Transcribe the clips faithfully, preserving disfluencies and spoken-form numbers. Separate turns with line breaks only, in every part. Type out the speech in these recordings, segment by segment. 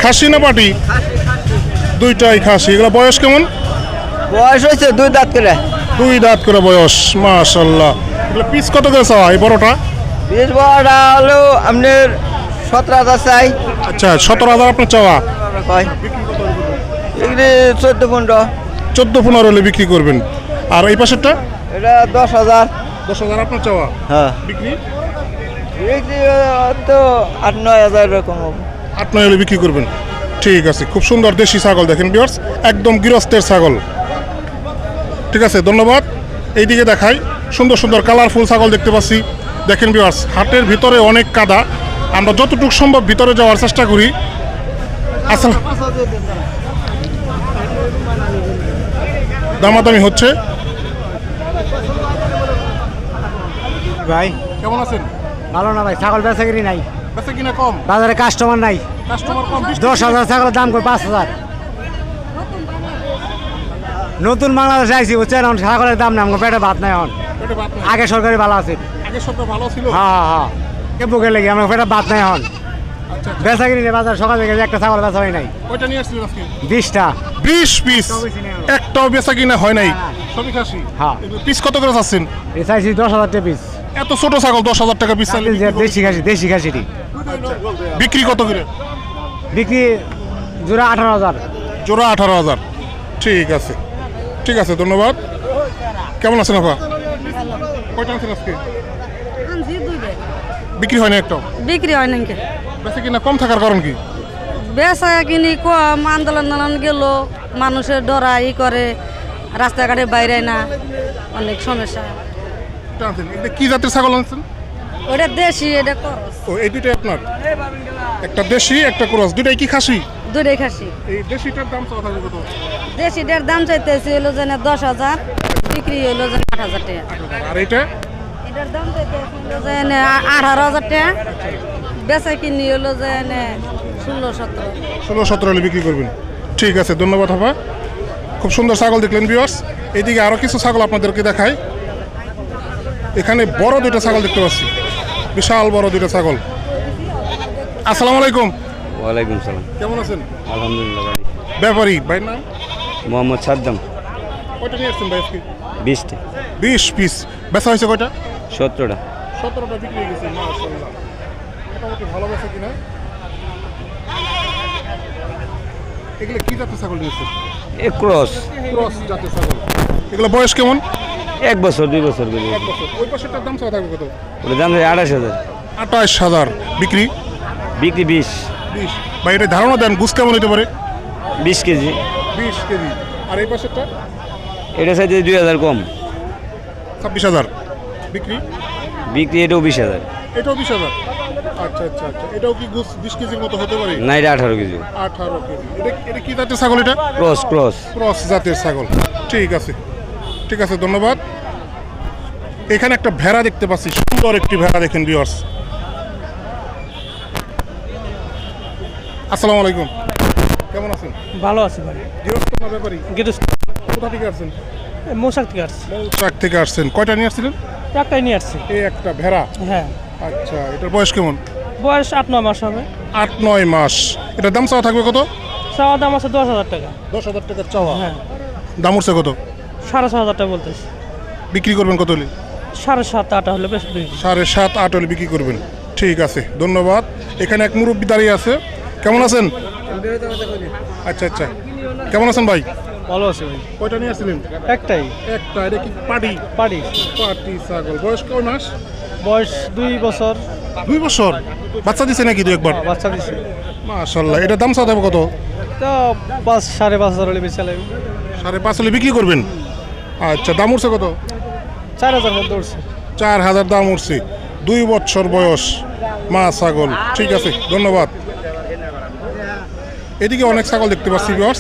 খাসি না পাটি? দুইটাই খাসি। এগুলো বয়স কেমন?
বয়স হয়েছে দুই দাঁত করে।
দুই দাঁত করে বয়স, মাশাআল্লাহ। এগুলো পিস কত করে চাওয়া এই বড়টা?
বিশ বড়টা হলো আপনার সতেরো হাজার চাই।
আচ্ছা, সতেরো হাজার আপনার চাওয়া।
কয় এগুলি চোদ্দ পনেরো।
চোদ্দো পনেরো হলে বিক্রি করবেন। আর এই পাশেরটা?
এটা দশ হাজার।
দশ হাজার আপনার চাওয়া।
হ্যাঁ,
বিক্রি
বিক্রি তো আট নয় হাজার এরকম হবে।
আট নয় হলে বিক্রি করবেন। ঠিক আছে, খুব সুন্দর দেশি ছাগল দেখেন ভিউয়ার্স, একদম গৃহস্থের ছাগল। ঠিক আছে, ধন্যবাদ। এইদিকে দেখাই, সুন্দর সুন্দর কালারফুল ছাগল দেখতে পাচ্ছি। দেখেন ভিউয়ার্স, হাটের ভিতরে অনেক কাদা, আমরা যতটুকু সম্ভব ভিতরে যাওয়ার চেষ্টা করি। আসলে দামাদামি হচ্ছে।
ভাই
কেমন আছেন?
ভালো না ভাই, ছাগল বেচাকিরি নাই,
বেচা কিনা কম,
বাজারে কাস্টমার নাই।
কাস্টমার কম।
দশ হাজার ছাগলের দাম করে পাঁচ হাজার। নতুন বাংলাদেশে আইসি বুঝছেন, এখন ছাগলের দাম নাই, আমার পেটে ভাত নাই। এখন
পেটে ভাত নাই।
আগে সরকারি ভালো আছে।
আগে সবটা ভালো ছিল।
হ্যাঁ হ্যাঁ হ্যাঁ, কে বুকে লেগে আমার পেটে ভাত নাই। এখন
আচ্ছা,
বেচাকিরি নেই, বাজার সকাল থেকে একটা ছাগল বেচা হয় নাই।
কয়টা নিয়ে আসছিলেন আজকে?
বিশটা।
বিশ পিস, একটাও বেচা কিনা হয় নাই, সবই খাসি।
হ্যাঁ।
পিস কত করে চাচ্ছেন?
এ চাইছি দশ হাজার টাকা পিস।
এত ছোট ছাগল দশ হাজার টাকা পিস চাইলে
দেশি খাসি, দেশি খাসিটি
বিক্রি কত করে?
বিক্রি জোড়া আঠারো হাজার।
জোড়া আঠারো হাজার। ঠিক আছে, ঠিক আছে, ধন্যবাদ। কেমন আছেন আপা? কয়টা আনছেন আজকে? বিক্রি হয় না একটাও?
বিক্রি হয় নাকি?
বেচা কিনা কম থাকার কারণ কি?
বেচা কিনি কম, আন্দোলন আন্দোলন গেল, মানুষের ডরা ই করে, রাস্তাঘাটে বাইরে না, অনেক সমস্যা।
এটা আনছেন, এটা কি জাতের ছাগল আনছেন?
ওটা দেশি, এটা করস।
ও, এই দুইটাই আপনার? একটা দেশি, একটা ক্রস, দুইটাই কি খাসি?
দুটাই খাসি।
এই দেশিটার দাম চাওয়া থাকবে কত?
দেশিটার দাম চাইতেছি হলো যেন দশ হাজার, বিক্রি হলো যেন আট হাজার টাকা।
আর এইটা?
এটার দাম চাইতেছি হলো যেন আঠারো হাজার টাকা, বেচা কিনি হলো যেন ষোলো সতেরো।
ষোলো সতেরো হলে বিক্রি করবেন। ঠিক আছে, ধন্যবাদ আপা। খুব সুন্দর ছাগল দেখলেন ভিউয়ার্স। এইদিকে আরও কিছু ছাগল আপনাদেরকে দেখাই। এখানে বড় দুইটা ছাগল দেখতে পাচ্ছি, বিশাল বড় দুইটা ছাগল। আসসালামু আলাইকুম।
ওয়ালাইকুম সালাম।
কেমন আছেন?
আলহামদুলিল্লাহ ভাই।
ব্যাপারী ভাই নাম?
মোহাম্মদ সাদ্দাম।
কয়টা নিয়ে আসছেন ভাই আজকে?
বিশটি।
বিশ পিস। বেচা হয়েছে কয়টা?
সতেরোটা।
সতেরোটা বিক্রি হয়ে গেছে, মাশাআল্লাহ। মোটামুটি ভালো বেচা কিনা। এগুলো কি জাতের ছাগল নিয়েছেন?
এ ক্রস।
ক্রস জাতের ছাগল। এগুলো বয়স কেমন?
এক বছর দুই বছর করে।
এক বছর। ওই পাশেরটার দাম চাওয়া থাকবে কত?
ওটা দাম যায় আঠাশ হাজার।
আঠাশ হাজার। বিক্রি?
বিক্রি বিশ।
বিশ। ভাই এটা ধারণা দেন, গুছ কেমন হতে পারে?
বিশ কেজি।
বিশ কেজি। আর এই পাশেরটা?
এটা চাইতে দুই হাজার কম।
ছাব্বিশ হাজার। বিক্রি?
বিক্রি এটাও বিশ হাজার।
এটাও বিশ হাজার। আচ্ছা আচ্ছা আচ্ছা, এটাও কি গুছ বিশ কেজির মতো হতে পারে?
না, এটা আঠারো কেজি।
আঠারো কেজি। এটা এটা কি জাতের ছাগল? এটা
ক্রস ক্রস।
ক্রস জাতের ছাগল। ঠিক আছে, ঠিক আছে, ধন্যবাদ। এখানে একটা ভেড়া দেখতে পাচ্ছি, সুন্দর একটি ভেড়া দেখেন ভিউয়ার্স। আসসালামু আলাইকুম। কেমন আছেন?
ভালো আছে ভাই।
গৃহস্থ না ব্যাপারী?
গেটস
কোথা থেকে আসছেন?
মোশাক থেকে আসছে,
ট্রাক থেকে আসছেন। কয়টা নিয়ে আসছিলেন?
একটাই নিয়ে আসছে।
এই একটা ভেড়া।
হ্যাঁ,
আচ্ছা, এটার বয়স কেমন?
বয়স আট নয় মাস হবে।
আট নয় মাস। এটার দাম চাওয়া থাকবে কত?
চাওয়া দাম আছে দশ হাজার টাকা।
দশ হাজার টাকার চাওয়া।
হ্যাঁ,
দাম উঠছে কত?
সাড়ে ছ হাজার টাকা বলতেছে।
বিক্রি করবেন কত হলে?
সাড়ে সাত আট হলে বেশ বেশি।
সাড়ে সাত আট হলে বিক্রি করবেন। ঠিক আছে, ধন্যবাদ। এখানে এক মুরব্বী দাঁড়িয়ে আছে। কেমন আছেন? আচ্ছা আচ্ছা, কেমন আছেন ভাই?
ভালো আছে ভাই।
কয়টা নিয়ে আসছিলেন?
একটাই
একটা। এটা কি পাটি?
পারি।
পাটি ছাগল। বয়স কয় মাস?
বয়স দুই বছর।
দুই বছর। বাচ্চা দিছে নাকি দু একবার?
বাচ্চা দিছে।
মাশাআল্লাহ। এটা দাম চাওয়া থাকবে কত?
তো পাঁচ সাড়ে পাঁচ হাজার হলে বেশি লাগবে।
সাড়ে পাঁচ হলে বিক্রি করবেন। আচ্ছা, দাম উঠছে কত?
চার হাজার মধ্যে উঠছে।
চার হাজার দাম উঠছে। দুই বছর বয়স মা ছাগল। ঠিক আছে, ধন্যবাদ। এদিকে অনেক ছাগল দেখতে পাচ্ছি ভিউয়ার্স।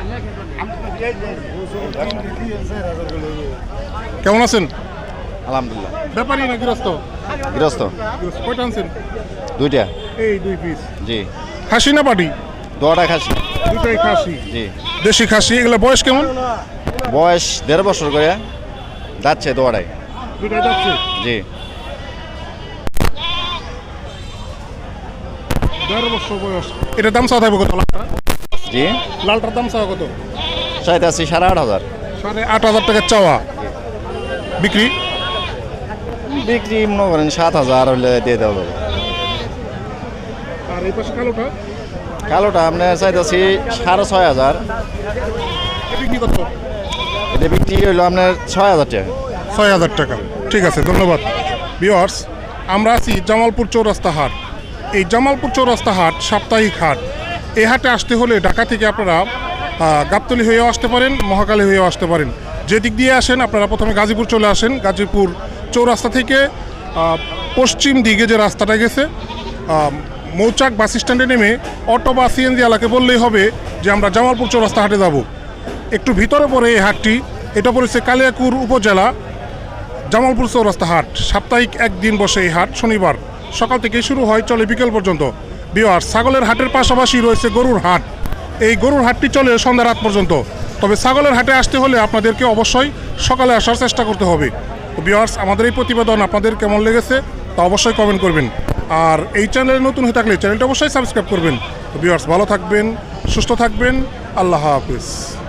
কেমন আছেন?
আলহামদুলিল্লাহ।
ব্যাপারী না গৃহস্থ?
গৃহস্থ।
গৃহস্থ। কয়টা আনছেন?
দুইটা।
এই দুই পিস।
জি।
খাসি না পাটি?
দোয়াটা খাসি।
দুটাই খাসি।
জি।
দেশি খাসি। এগুলো বয়স কেমন?
বয়স দেড় বছর করে যাচ্ছে দোয়াটাই।
দুটাই যাচ্ছে।
জি।
দেড় বছর বছর বয়স। এটার দাম চাওয়া থাকবে কত? লালটা
জি
লালটার দাম চাওয়া কত?
চাইতেছি সাড়ে আট হাজার।
সাড়ে আট হাজার টাকার চাওয়া। বিক্রি
বিক্রি মনে করেন সাত হাজার হলে দিয়ে দেওয়া যাবে।
আর এই পাশে কালোটা
কালোটা আপনার চাইতেছি সাড়ে ছয় হাজার।
এটা বিক্রি কত?
এটা বিক্রি হইলো আপনার ছয় হাজার টাকা।
ছয় হাজার টাকা। ঠিক আছে, ধন্যবাদ। ভিউয়ার্স, আমরা আছি জামালপুর চৌরাস্তা হাট। এই জামালপুর চৌরাস্তা হাট সাপ্তাহিক হাট। এই হাটে আসতে হলে ঢাকা থেকে আপনারা আহ, গাবতলী হয়েও আসতে পারেন, মহাকালী হয়েও আসতে পারেন। যে দিক দিয়ে আসেন আপনারা প্রথমে গাজীপুর চলে আসেন। গাজীপুর চৌরাস্তা থেকে আহ, পশ্চিম দিকে যে রাস্তাটা গেছে আহ, মৌচাক বাস স্ট্যান্ডে নেমে অটো বা সিএনজি এলাকে বললেই হবে যে আমরা জামালপুর চৌরাস্তা হাটে যাব। একটু ভিতরে পড়ে এই হাটটি। এটা পড়েছে কালিয়াকুর উপজেলা জামালপুর চৌরাস্তা হাট। সাপ্তাহিক একদিন বসে এই হাট, শনিবার সকাল থেকে শুরু হয়, চলে বিকেল পর্যন্ত। বিহার ছাগলের হাটের পাশাপাশি রয়েছে গরুর হাট। এই গরুর হাটটি চলে সন্ধ্যা রাত পর্যন্ত। তবে ছাগলের হাটে আসতে হলে আপনাদেরকে অবশ্যই সকালে আসার চেষ্টা করতে হবে। তো বিহার্স, আমাদের এই প্রতিবেদন আপনাদের কেমন লেগেছে তা অবশ্যই কমেন্ট করবেন। আর এই চ্যানেলে নতুন হয়ে থাকলে চ্যানেলটা অবশ্যই সাবস্ক্রাইব করবেন। তো বিহার্স, ভালো থাকবেন, সুস্থ থাকবেন। আল্লাহ হাফিজ।